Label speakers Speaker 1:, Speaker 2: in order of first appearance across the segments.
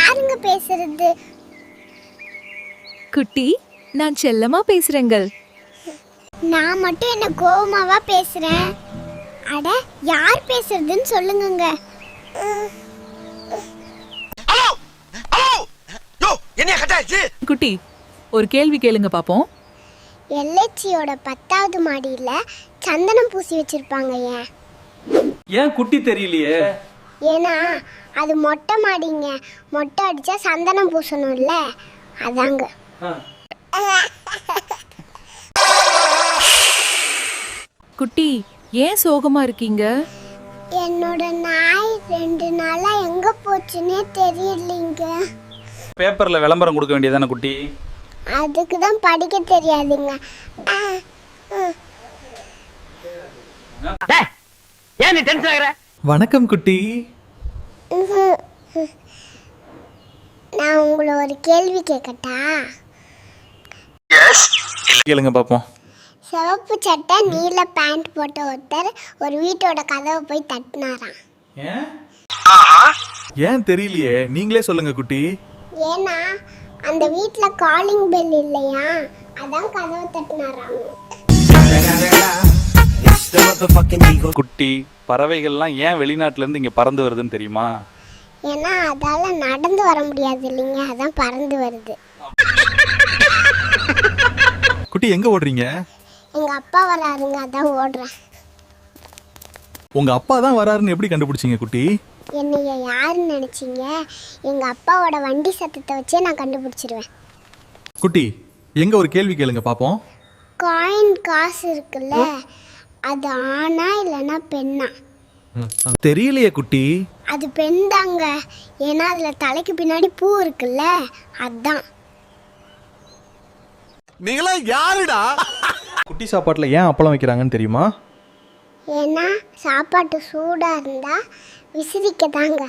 Speaker 1: யாருங்க பேசுறது?
Speaker 2: குட்டி, நான் செல்லமா பேசுறேங்கள்.
Speaker 1: நான் மட்டும் என்ன கோவமாவா பேசுறேன்? அட, யார் பேசுறதுன்னு சொல்லுங்கங்க.
Speaker 2: குட்டி, ஒரு கேள்வி கேளுங்க பாப்போம்.
Speaker 1: எல்ஐச்சியோட 10வது மாடியில சந்தனம் பூசி வச்சிருப்பாங்க.
Speaker 3: ஏன் குட்டி தெரியலையே?
Speaker 1: ஏன்னா அது மொட்டை மாடிங்க. மொட்டை அடிச்சா சந்தனம் பூசணும்ல, அதாங்க.
Speaker 2: குட்டி, ஏன் சோகமா இருக்கீங்க?
Speaker 1: என்னோட நாய் 2 நாளா எங்க போச்சுன்னே தெரியலீங்க.
Speaker 3: பேப்பர்ல விளம்பரம் கொடுக்க வேண்டியதானே குட்டி?
Speaker 1: அதுக்கு தான் படிக்க தெரியாதுங்க.
Speaker 4: ஏன் நீ டென்ஷன் ஆகுற?
Speaker 5: வணக்கம் குட்டி.
Speaker 1: நான் உங்களை ஒரு கேள்வி கேட்கட்டா?
Speaker 3: கேளுங்க பாப்போம்.
Speaker 1: சிவப்பு சட்டை நீல பேண்ட் போட்ட ஒருத்தர் ஒரு வீட்டோட கதவை போய் தட்டினாராம்.
Speaker 5: ஏன் தெரியலையே, நீங்களே சொல்லுங்க குட்டி.
Speaker 1: ஏன்னா அந்த வீட்டில் காலிங் பெல் இல்லையா, அதான் கதவை தட்டினாராம்.
Speaker 3: குட்டி, பறவைகள்லாம் ஏன் வெளிநாட்டுல இருந்து இங்க பறந்து வருதுன்னு தெரியுமா?
Speaker 1: ஏன்னா அதால நடந்து வர முடியாது இல்லைங்க, அதான் பறந்து வருது.
Speaker 5: குட்டி, எங்க ஓடுறீங்க?
Speaker 1: எங்க அப்பா வராருங்க, அதான் ஓடுறேன்.
Speaker 5: உங்க அப்பா தான் வராருன்னு எப்படி கண்டுபிடிச்சீங்க குட்டி?
Speaker 1: என்னைய யாருன்னு நினைச்சீங்க? எங்க அப்பாவோட வண்டி சத்தத்தை வச்சே நான் கண்டுபிடிச்சிருவேன்.
Speaker 5: குட்டி, எங்க ஒரு கேள்வி கேளுங்க பாப்போம்.
Speaker 1: காயின் காசு இருக்குல்ல, அது ஆணா இல்லைன்னா பெண்ணா?
Speaker 5: தெரியலையே குட்டி.
Speaker 1: அது பெண் தாங்க. ஏன்னா அதுல தலைக்கு பின்னாடி பூ இருக்குல்ல, அதான்.
Speaker 6: நீங்களா யாருடா?
Speaker 5: குட்டி சாப்பாட்டுல ஏன் அப்பளம் வைக்கிறாங்கன்னு தெரியுமா?
Speaker 1: ஏன்னா சாப்பாட்டு சூடா இருந்தா விசிறிக்க தாங்க.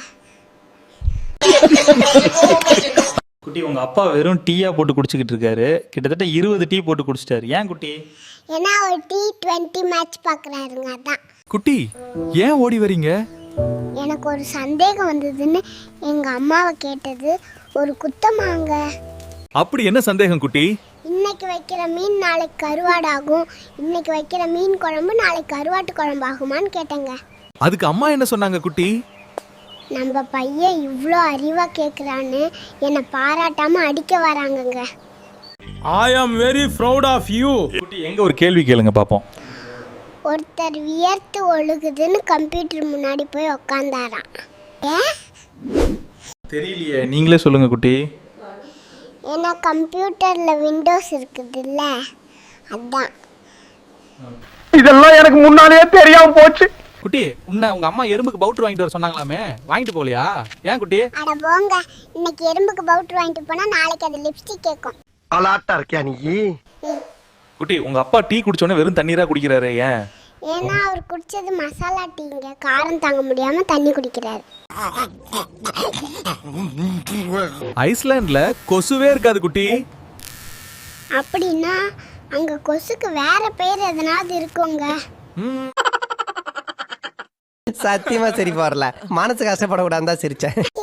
Speaker 3: குட்டி, உங்க அப்பா வெறும் டீயா போட்டு குடிச்சிக்கிட்டு இருக்காரு. கிட்டத்தட்ட 20 டீ போட்டு குடிச்சிட்டாரு. ஏன் குட்டி?
Speaker 1: ஏன்னா ஒரு T20 மேட்ச் பார்க்குறாருங்க, அதான்.
Speaker 5: குட்டி, ஏன் ஓடி வரீங்க?
Speaker 1: எனக்கு ஒரு சந்தேகம் வந்ததுன்னு எங்க அம்மாவை கேட்டது ஒரு குத்தமாங்க.
Speaker 5: அப்படி என்ன சந்தேகம் குட்டி?
Speaker 1: இன்னைக்கு வைக்கிற மீன் நாளைக்கு கருவாடாகும், இன்னைக்கு வைக்கிற மீன் குழம்பு நாளைக்கு கருவாட்டு குழம்பு ஆகுமான்னு கேட்டேங்க.
Speaker 5: அதுக்கு அம்மா என்ன சொன்னாங்க குட்டி?
Speaker 1: நம்ம பையன் இவ்வளோ அறிவா கேட்குறான்னு என்னை பாராட்டாம அடிக்க வராங்கங்க.
Speaker 6: I am very proud of you.
Speaker 3: குட்டி, எங்க ஒரு கேள்வி கேளுங்க பாப்போம்.
Speaker 1: ஒருத்தர் வியர்த்து ஒழுகுதுன்னு கம்ப்யூட்டர் முன்னாடி போய் உக்காந்தாராம். ஏன்?
Speaker 3: தெரியலையே, நீங்களே சொல்லுங்க குட்டி.
Speaker 1: ஏன்னா கம்ப்யூட்டர்ல விண்டோஸ் இருக்குதுல்ல, அதான்.
Speaker 4: இதெல்லாம் எனக்கு முன்னாலேயே தெரியாம போச்சு.
Speaker 5: குட்டி, உங்க அம்மா எறும்புக்கு பவுடர் வாங்கிட்டு வர சொன்னாங்களாமே, வாங்கிட்டு போகலையா? ஏன் குட்டி?
Speaker 1: அட போங்க, இன்னைக்கு எறும்புக்கு பவுடர் வாங்கிட்டு போனா நாளைக்கு அது லிப்ஸ்டிக் கேட்கும்.
Speaker 4: அலாட்டா இருக்கியா நீ?
Speaker 5: குட்டி, உங்க அப்பா டீ குடிச்சோடனே வெறும் தண்ணீரா குடிக்கிறாரு, ஏன்?
Speaker 1: ஏன்னா அவர் குடிச்சது மசாலா டீங்க, காரம் தாங்க முடியாம தண்ணி குடிக்கிறாரு.
Speaker 5: ஐஸ்லாண்ட்ல கொசுவே இருக்காது குட்டி.
Speaker 1: அப்படின்னா அங்க கொசுக்கு வேற பேர் எதனாவது இருக்குங்க.
Speaker 7: சத்தியமா சரி வரல, மனசு கஷ்டப்படக்கூடாது தான் சிரிச்சேன்.